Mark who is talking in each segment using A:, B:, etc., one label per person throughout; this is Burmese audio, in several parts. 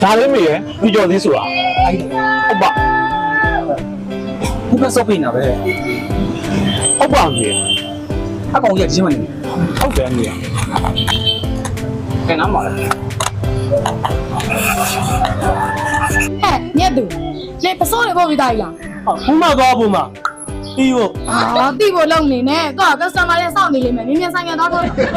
A: ဒါလေးမေးရဒီကြော်သေးဆိုတာဟုတ်ပါ
B: ဘုမစောပိနာပဲ
A: ဟုတ်ပါကြီး
B: အကောင်ကြီးချင်းမနေ
A: ဟုတ်တယ်မေး
B: ကဲနားပါလား
C: ဟဲ့မြတ်သူလေပစိုးတွေပို့ပြီးသားကြီးလား
A: ဘူးမသွားဘူးမပြီးဖို့
C: အာတိဖို့လုံနေနဲ့သူက customer တွေစောင့်နေလိမ့်မယ်မြင်မြင်ဆိုင်ရတော့တော့
A: ဟုတ်တယ်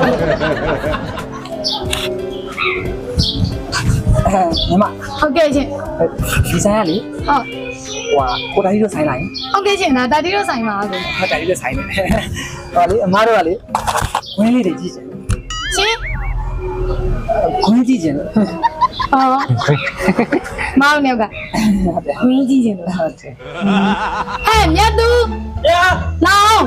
B: ညီမ
C: ဟုတ်ကဲ့ရှင်
B: ဒီဆိုင်ကလေ
C: ဟုတ်
B: ဟိုကိုတာကြီးတို့ဆိုင်လိုက်
C: ဟုတ်ကဲ့ရှင်ဒါတာတီတို့ဆိုင်ပါဆို
B: ဟိုတာကြီးတို့ဆိုင်နေဟောလေအမားတို့ကလေဝင်းလေးတွေကြည့်ချင်
C: ရှင်
B: ခွင်းကြည့်ချင်
C: ဟောမောင်နေကဝင်းကြီးရှင်လို့
B: ဟုတ်တယ်
C: ဟဲ့မြတ်သူ
A: ရာ
C: လောင်း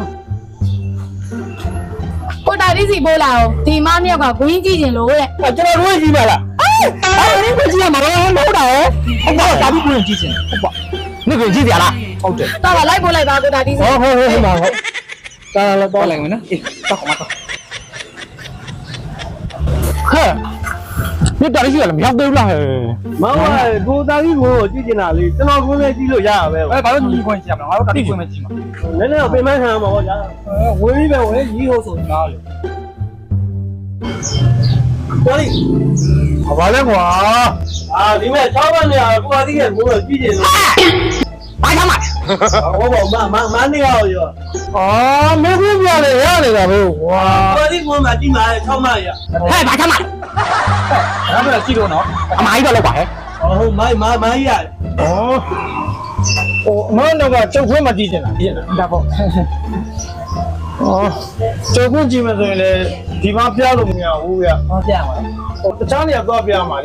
C: ကိုတာတီစီပို့လာအောင်ဒီမမြောက်ကဝင်းကြီးရှင်လို့တဲ့
A: ကျွန်တော်တို့ကြီးပါလားအဲ့ဒီကိုကြည့်ရမှာတော့မဟုတ်တာရောဟုတ်ပါဒါပြီးကိုကြည့်ချင်ဟုတ်ပါနေ့ကိုကြည့်ကြလားဟုတ်တယ်
C: တော့လိုက်ပို့လိုက်ပါကိုတာတီစီ
A: ဟုတ်ပါဟုတ်ဒါလည်း
B: ပေါ်
A: တော့
B: လိုက်မယ်နော်အေးတော့ခမတော့
A: ဟဲ့မြတ်တာရှိရလားမရောက်သေးဘူးလားဟဲ့
D: မောင်ကကိုသားကြီးကိုကြည့်ကျင်တာလေကျွန်တော်ကိုလည်းကြည့်လို့ရရပဲ
B: ဘာလို့ညီခွင့်ကြည့်ရမလဲငါတို့တာကြီးခွင့်မကြည့်မှာ
D: နည်းနည်းတော့ပြင်ပန်းခံရမှာပေါ့ဗျာ
B: ဝင်းပြီးပဲဝင်းကြီးဟုတ်ဆိုငါလေ
D: တော်လိ
A: ဘာလဲကွာ
D: ဒီမဲ့6ပတ်နေရကိုသားကြီးကကိုတော့ကြည့်ကျင်လို့
A: ဘာကြောင့်မလဲ
D: ဟုတ်ပါမနေရရော
A: အော်မင်းကပြလေရနေတာပဲကွာ
D: ကိုသားကြီးကိုမှကြည့်မှာ6မှရ
A: ဟဲ့ဘာကြောင့်မလဲ
B: ငါတို့ကြည့်လို့နော်
A: အမိုင်းတော့လောက်ပါဟဲ့
D: ဟုတ်မိုင်းရ
A: ဩဟိုအမန်းတော့ကကျုပ်ခွင့်မကြည့်ချင်တာဖြစ်နေတာ
B: ဒါပေါ့
A: ဩကျုပ်ခွင့်ကြည့်မယ်ဆိုရင်လေဒီမှာပြလို့မရဘူးဗျ
B: ဟောပြရမှာ
A: ဟိုတခြားနေရာသွားပြမှာလေ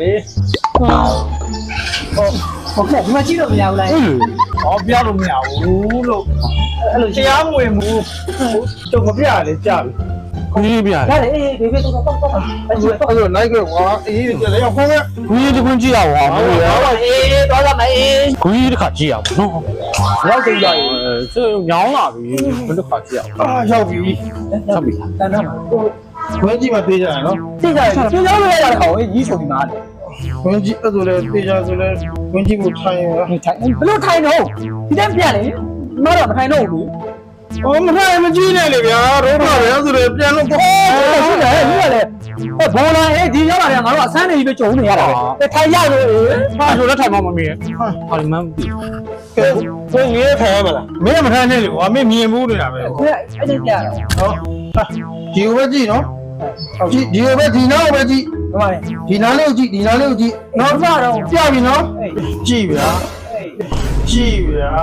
B: ဟုတ်ကဲ့ဒီမှာကြည့်လို့မရဘူးလား
A: ဟောပြလို့မရဘူးလို့
B: အဲ့လို
A: တရားမဝင်ဘူးကျုပ်မပြရလေကြာပြီခွင့်ပြရ
B: ဒါလေအေးဘေဘေတော့တော့တော့အဲ့လို
A: အဲ့လိုလိုက်ခဲ့ကွာအေးကြလေခွင့်ခွင့်ခွင့်ကြည့်ရပါမလို့ရ
B: အေးတော့ရမယ်အေး
A: ခွင့်တစ်ခါကြည့်ရပါနော်ရောက်ကြည့်ရရင်ကျုပ်ညောင်းလာပြီဘယ်တစ်ခါကြည့်ရရောက်ပြီဆက်ပြီ
B: တန်းတော့မှာ
A: ခွင့်ကြည့်မှသေးကြရနော်
B: သိကြတယ်ကျိုးကြောင်းလို့ရတာကောင်ကြီးဆိုပြီးမှာလေ
A: ခွင့်ကြည့်အဲ့ဆိုလေသေးကြဆိုလေခွင့်ကြည့်ကိုထိုင်ရ
B: ထိုင်ဘလို့ထိုင်တော့ဒီတန်းပြလေမတော့မထိုင်တော့ဘူး
A: အော်မထိုင်မကြည့်နဲ့လေဗျာတို့ပါပဲဆိုလေပြန်လို့ပေါ့
B: ဟုတ်တယ်ဟုတ်တယ်လေဘောလာအေးဒီရောက်လာတယ်ငါတို့အဆန်းနေကြီးပဲကြုံနေရတာပဲထိုင်ရလို့
A: ဟာဆိုလည်းထိုင်မှမမြင်ဟာဒီမှမပြီးကိုငယ်ထိုင်ရမလားမင်းမထိုင်နဲ့လေကွာမင်းမြင်ဘူးနေတာပဲ
B: အဲ့ဒီပြရ
A: ဟောဒီကိုပဲကြည့်နော်ကြည့်ဒီကိုပဲဒီနောက်ပဲကြည့်
B: တော့ပါလေ
A: ဒီနားလေးကိုကြည့်ဒီနားလေးကိုကြည့်
B: နောက်စားတော့
A: ပြပြီနော်ကြည့်ဗျာကြည့်ဗျာ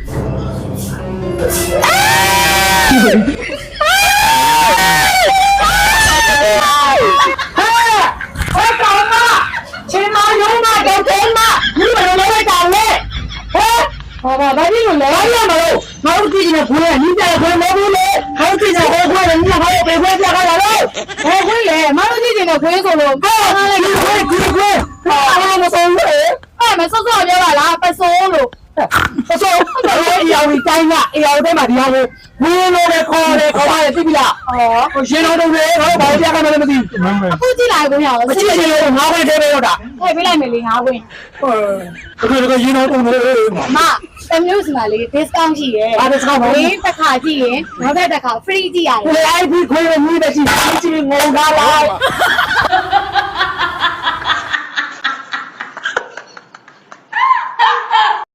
C: ချင်းမယုံမတော့ကျင်းမဒီလိုလည်းလိုက်တာလေဟဲ့ဘာဘာဒီလိုလဲရမလို့ငါတို့ကြည့်နေခွေးနီးကြခွေးမဟုတ်ဘူးလေဟောကြည့်နေခွေးလည်းနီးဟောပေခွေးပြခါလာလို့ဟဲ့ခွေးလေမတို့ကြည့်နေခွေးဆိုလို့ဘာလဲခွေးဘာမဆုံးဘူးအဲ့မစောစောပြောပါလားပစိုးလို့ပစိုးတော့အယောင်တိုင်းကအယောင်တိုင်းမှာဒီဟာကိုဝင်းလို့လေခေါ်တယ်သိပြီလားဟောရှင်တော်တို့လေဟောဘာပြခါမှလည်းမသိဘူးအခုကြည့်လိုက်ကိုရအောင်
A: ကြည့်ရှင်လို့ငါးခွေထဲပဲရောက်တာ
C: ထည့်ပေးလိုက်မယ်လေငါဝင်
A: တကယ်ရင်းတော့တုံးတယ်
C: မတမျိုးစီမှာလေ discount ရှိရယ်
A: အားတစ်ခါပါ
C: ဝေးတစ်ခါကြည့်ရင်နောက်တစ်ခါ free ကြည့်ရတယ်
A: လေအိုက်ပြီးခွေးနဲ့မြည်တဲ့ကြည့်ကြည့်ငုံသားလား